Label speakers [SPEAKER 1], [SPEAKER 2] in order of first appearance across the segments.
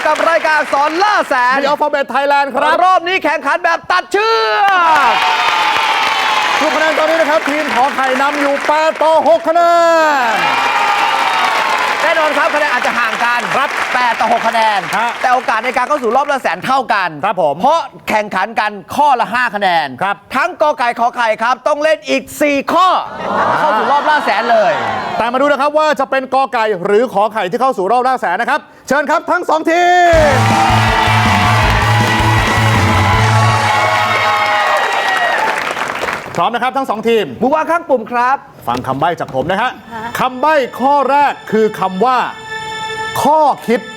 [SPEAKER 1] กับรายการอักษรล่าแสน
[SPEAKER 2] The Alphabet Thailand ครับ
[SPEAKER 1] รอบนี้แข่งขันแบบตัดเชือก
[SPEAKER 2] ทุกคะแนนตอนนี้นะครับทีมขอไข่นำอยู่8 ต่อ 6 คะแนน
[SPEAKER 1] แน่นอนครับคะแนนอาจจะห่างกัน
[SPEAKER 2] ครับ
[SPEAKER 1] 8 ต่อ 6 คะแนนแต่โอกาสในการเข้าสู่รอบละแสนเท่ากัน
[SPEAKER 2] ครับผม
[SPEAKER 1] เพราะแข่งขันกันข้อละ5คะแนน
[SPEAKER 2] ครับ
[SPEAKER 1] ทั้งกอไก่ขอไข่ครับต้องเล่นอีก4ข้อเข้าสู่รอบล่าแสนเลย
[SPEAKER 2] แต่มาดูนะครับว่าจะเป็นกอไก่หรือขอไข่ที่เข้าสู่รอบล่าแสนนะครับเชิญครับทั้ง2ทีมพร้อมนะครับทั้ง2ทีม
[SPEAKER 1] มือวางข้างปุ่มครับ
[SPEAKER 2] ฟังคำใบ้จากผมนะฮะคำใบ้ข้อแรกคือคำว่าข้อคิด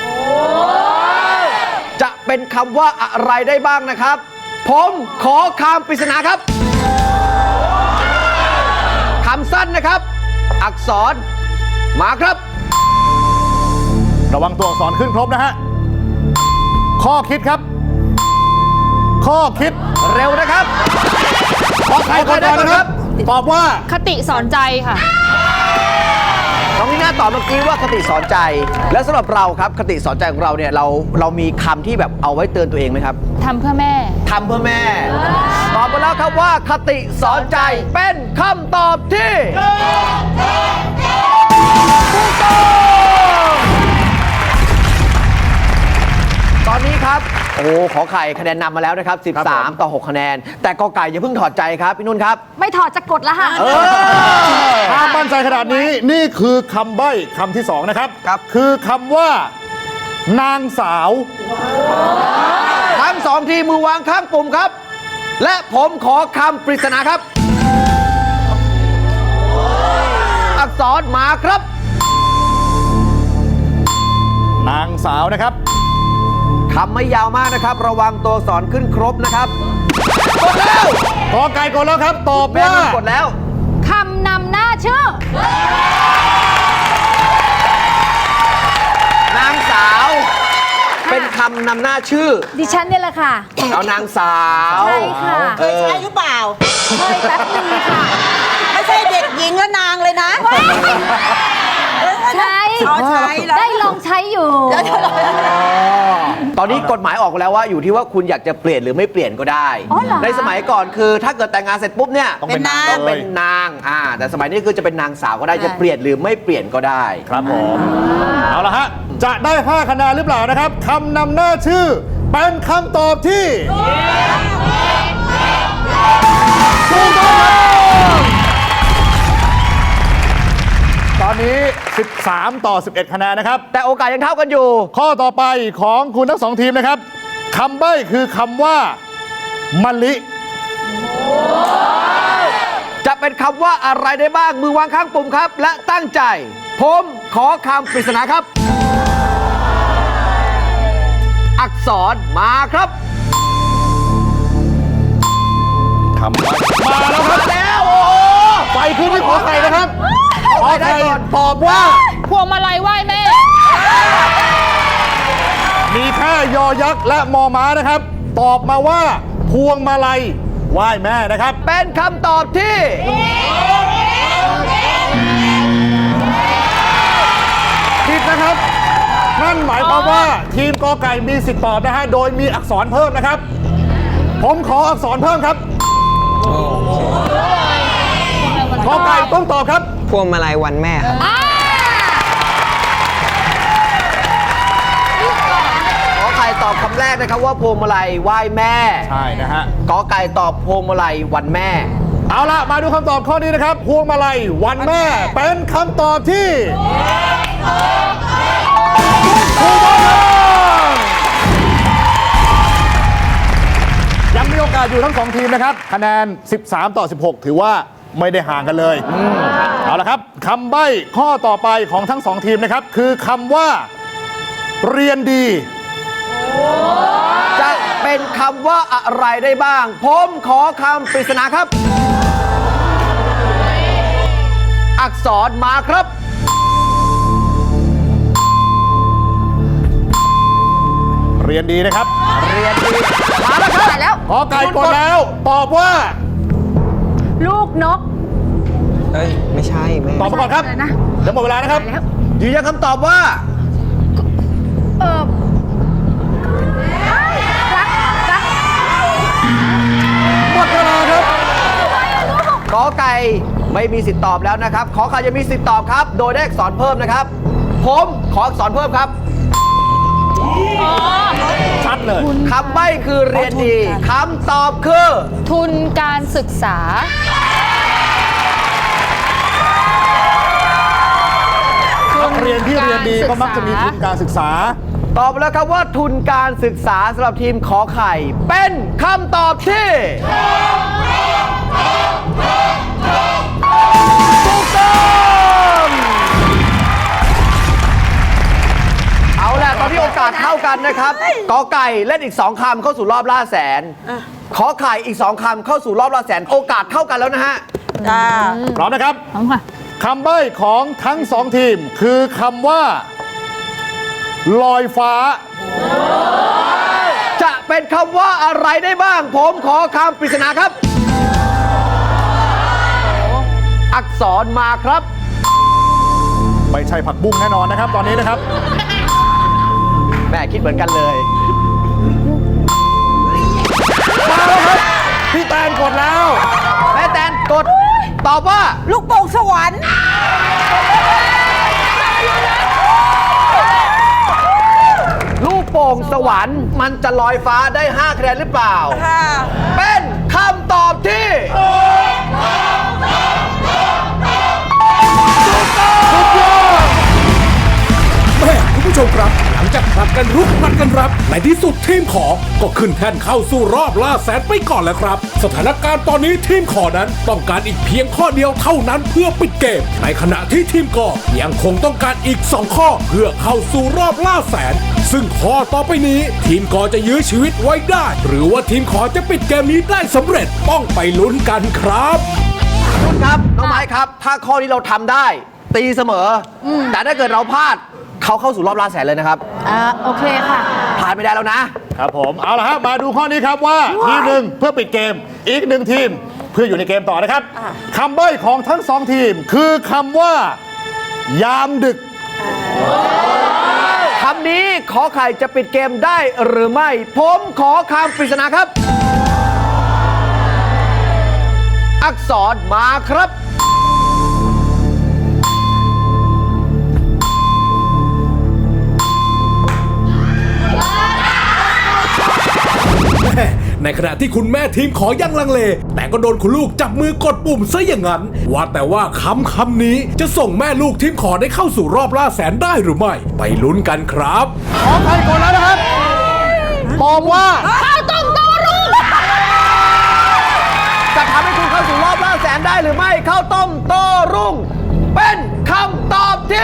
[SPEAKER 1] จะเป็นคำว่าอะไรได้บ้างนะครับผมขอคำปริศนาครับคำสั้นนะครับอักษรมาครับ
[SPEAKER 2] ระวังตัวอักษรขึ้นครบนะฮะข้อคิดครับข้อคิด
[SPEAKER 1] เร็วนะครับ
[SPEAKER 2] ขอไข่ก่อนนะครับตอบว่า
[SPEAKER 3] คติสอนใจค่ะ
[SPEAKER 1] น้องนี่น่าตอบเมื่อกี้ว่าคติสอนใจและสำหรับเราครับคติสอนใจของเราเนี่ยเรามีคำที่แบบเอาไว้เตือนตัวเองไหมครับ
[SPEAKER 3] ทำเพื่อแม่
[SPEAKER 1] ทำเพื่อแม่ตอบมาแล้วครับว่าคติสอนใจเป็นคำตอบที่ถูกต้องตอนนี้ครับโอ้ขอไข่คะแนนนำมาแล้วนะครับ13 ต่อ 6 คะแนนแต่กอไก่อย่าเพิ่งถอดใจครับพี่นุ่นครับ
[SPEAKER 3] ไม่ถอดจะกดละค่ะ
[SPEAKER 2] ถ้ามั่นใจขนาดนี้นี่คือคำใบ้คำที่2นะครับคือคำว่านางสาว
[SPEAKER 1] ทั้ง2ทีมือวางข้างปุ่มครับและผมขอคำปริศนาครับอักษรมาครับ
[SPEAKER 2] นางสาวนะครับ
[SPEAKER 1] คำไม่ยาวมากนะครับระวังตัวอักษรขึ้นครบนะครับกดแล้ว
[SPEAKER 2] กอไก่กดแล้วครับตอบว่าก
[SPEAKER 1] ดแล้ว
[SPEAKER 3] คำนำหน้าชื่
[SPEAKER 1] อนางสาวเป็นคำนำหน้าชื่อ
[SPEAKER 3] ดิฉันเนี่ยแหละค่ะ
[SPEAKER 1] เอานางสาว
[SPEAKER 3] ใช่ค่ะ
[SPEAKER 4] เคยใช้หรือเปล่า
[SPEAKER 3] เคยแป๊บนึงค่ะ
[SPEAKER 4] ไม่ใช่เด็กหญิงและนางเลยนะ
[SPEAKER 3] ใช้ได้ลองใช้อยู่
[SPEAKER 1] ตอนนี้กฎหมายออกแล้วว่าอยู่ที่ว่าคุณอยากจะเปลี่ยนหรือไม่เปลี่ยนก็ได้ในสมัยก่อนคือถ้าเกิดแต่งงานเสร็จปุ๊บเนี่ย
[SPEAKER 2] ต้องเป็น
[SPEAKER 1] นางแต่สมัยนี้คือจะเป็นนางสาวก็ได้จะเปลี่ยนหรือไม่เปลี่ยนก็ได้
[SPEAKER 2] ครับผมเอาละฮะจะได้5 คะแนนหรือเปล่านะครับคำนำหน้าชื่อเป็นคำตอบที่ถูกต้องตอนนี้13 ต่อ 11 คะแนนนะครับ
[SPEAKER 1] แต่โอกาสยังเท่ากันอยู่
[SPEAKER 2] ข้อต่อไปของคุณทั้ง2ทีมนะครับคำใบ้คือคำว่ามะลิ
[SPEAKER 1] จะเป็นคำว่าอะไรได้บ้างมือวางข้างปุ่มครับและตั้งใจผมขอคำปริศนาครับอักษรมาครับ
[SPEAKER 2] คำใบ้มาแล้วครับ
[SPEAKER 1] แล้วโอ้
[SPEAKER 2] ไฟขึ้นที่ขอไข่นะครับขอไข่ตอบว่า
[SPEAKER 3] พวงมาลัยไหว้แม่
[SPEAKER 2] มีแค่ยอยักษ์และมอม้านะครับตอบมาว่าพวงมาลัยไหว้แม่นะครับ
[SPEAKER 1] เป็นคำตอบที่
[SPEAKER 2] ผิดนะครับนั่นหมายความว่าทีมกอไก่มีสิทธิ์ตอบนะฮะโดยมีอักษรเพิ่มนะครับผมขออักษรเพิ่มครับกอไก่ต้องตอบครับ
[SPEAKER 5] พวงมาลัยวันแม่ครับ
[SPEAKER 1] ขอไข่ตอบคำแรกนะครับว่าพวงมาลัยไหว้แม่
[SPEAKER 2] ใช่นะฮะ
[SPEAKER 1] กอไก่ตอบพวงมาลัยวันแม่
[SPEAKER 2] เอาละมาดูคำตอบข้อนี้นะครับพวงมาลัยวันแม่เป็นคำตอบที่ถูกต้องยังมีโอกาสอยู่ทั้ง2ทีมนะครับคะแนน13 ต่อ 16ถือว่าไม่ได้ห่างกันเลยเอาละครับคำใบ้ข้อต่อไปของทั้ง2ทีมนะครับคือคำว่าเรียนดี
[SPEAKER 1] จะเป็นคำว่าอะไรได้บ้างผมขอคำปริศนาครับอักษรมาครับ
[SPEAKER 2] เรียนดีนะครับ
[SPEAKER 1] เรียนดีมาแล้วครับ
[SPEAKER 2] ขอไก่กดแล้วตอบว่า
[SPEAKER 3] ลูกนก
[SPEAKER 5] ไม่ใช่แม่
[SPEAKER 2] ตอบมาก่อนครับเดี๋ยวหมดเวลานะครับ
[SPEAKER 1] ยืนยันคำตอบว่าไก่ไม่มีสิทธิ์ตอบแล้วนะครับ ขอไข่จะมีสิทธิ์ตอบครับ โดยได้อักษรเพิ่มนะครับ ผมขออักษรเพิ่มครับ
[SPEAKER 2] ชัดเลย
[SPEAKER 1] คำใบ้คือเรียนดีคำตอบคือ
[SPEAKER 3] ทุนการศึกษา
[SPEAKER 2] นักเรียนที่เรียนดีก็มักจะมีทุนการศึกษา
[SPEAKER 1] ตอบแล้วครับว่าทุนการศึกษาสำหรับทีมขอไข่ เป็นคำตอบที่ถูกต้องเอาล่ะตอนนี้โอกาสเท่ากันนะครับกอไก่เล่นอีก 2 คำเข้าสู่รอบล่าแสน ขอไข่อีก 2 คำเข้าสู่รอบล่าแสน โอกาสเท่ากันแล้วนะฮะ
[SPEAKER 4] จ้า
[SPEAKER 2] พร้อมนะครับ
[SPEAKER 3] พร้อมค่ะ
[SPEAKER 2] คำใบ้ของทั้ง 2 ทีม คือคำว่า ลอยฟ้า
[SPEAKER 1] จะเป็นคำว่าอะไรได้บ้าง ผมขอคำปริศนาครับ อักษรมาครับ
[SPEAKER 2] ไม่ใช่ผักบุ้งแน่นอนนะครับ ตอนนี้นะครับ
[SPEAKER 1] แม่คิดเหมือนกันเลย
[SPEAKER 2] มาแล้วครับ พี่แตนกดแล้ว
[SPEAKER 1] แม่แตนกดตอบว่า
[SPEAKER 4] ลูกโป่งสวรรค์
[SPEAKER 1] ลูกโป่งสวรรค์มันจะลอยฟ้าได้ 5 คะแนนหรือเปล่า
[SPEAKER 4] ค่ะ
[SPEAKER 1] เป็นคำตอบที่ถูกต้อง
[SPEAKER 6] แม่คุณผู้ชมครับหลังจากผลัดกันรุกผลัดกันรับในที่สุดทีมขอก็ขึ้นแท่นเข้าสู่รอบล่าแสนไปก่อนแล้วครับ สถานการณ์ตอนนี้ทีมขอนั้นต้องการอีกเพียงข้อเดียวเท่านั้นเพื่อปิดเกมในขณะที่ทีมกอยังคงต้องการอีก 2 ข้อเพื่อเข้าสู่รอบล่าแสน ซึ่งข้อต่อไปนี้ทีมกอจะยื้อชีวิตไว้ได้ หรือว่าทีมขอจะปิดเกมนี้ได้สำเร็จต้องไปลุ้นกันครับ
[SPEAKER 1] คุณครับ น้องไม้ครับ ถ้าข้อนี้เราทำได้ ตีเสมออแต่ถ้าเกิดเราพลาดเขาเข้าสู่รอบล่าแสนเลยนะครับ
[SPEAKER 3] โอเคค่ะ
[SPEAKER 1] ผ่านไม่ได้แล้วนะ
[SPEAKER 2] ครับผม เอาละครับมาดูข้อนี้ครับว่าทีมหนึ่งเพื่อปิดเกม อีก 1 ทีมเพื่ออยู่ในเกมต่อนะครับคำใบ้ของทั้ง 2 ทีม คือคำว่า ยามดึก
[SPEAKER 1] คำนี้ขอไข่จะปิดเกมได้หรือไม่ ผมขอคำปริศนาครับ อักษรมาครับ
[SPEAKER 6] ในขณะที่คุณแม่ทีมขอยังลังเล แต่ก็โดนคุณลูกจับมือกดปุ่มซะอย่างนั้น ว่าแต่ว่าคำนี้จะส่งแม่ลูกทีมขอได้เข้าสู่รอบล่าแสนได้หรือไม่ ไปลุ้นกันครับ
[SPEAKER 2] ขอใครก่อนแล้วนะครับตอบว่า
[SPEAKER 3] ข้าวต้มโต้รุ่ง
[SPEAKER 1] จะทำให้คุณเข้าสู่รอบล่าแสนได้หรือไม่ข้าวต้มโต้รุ่ง เป็นคำตอบที่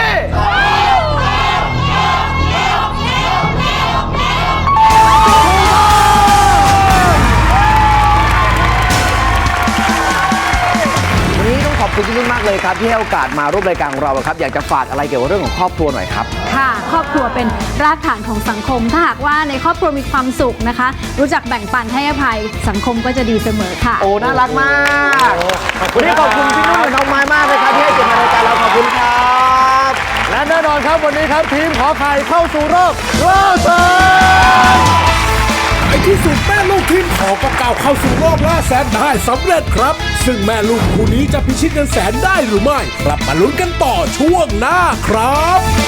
[SPEAKER 1] วันนี้ต้องขอบคุณพี่นุ่นมากเลยครับ ที่ให้โอกาสมาร่วมรายการของเราครับ อยากจะฝากอะไรเกี่ยวกับเรื่องของครอบครัวหน่อยครับ
[SPEAKER 3] ค่ะ ครอบครัวเป็นรากฐานของสังคม ถ้าหากว่าในครอบครัวมีความสุขนะคะ รู้จักแบ่งปันให้อภัยสังคมก็จะดีเสมอค่ะ
[SPEAKER 1] โอ้ น่ารักมาก วันนี้ขอบคุณพี่นุ่นและน้องไม้มากเลยครับที่ให้เกียรติมารายการเราขอบคุณครับ
[SPEAKER 2] และแน่นอนครับวันนี้ครับทีมขอไข่เข้าสู่รอบล่าแสน
[SPEAKER 6] ในที่สุดแม่ลูกทีมขอก็ก้าวเข้าสู่รอบล่าแสนได้สำเร็จครับ ซึ่งแม่ลูกคู่นี้จะพิชิตเงินแสนได้หรือไม่กลับมาลุ้นกันต่อช่วงหน้าครับ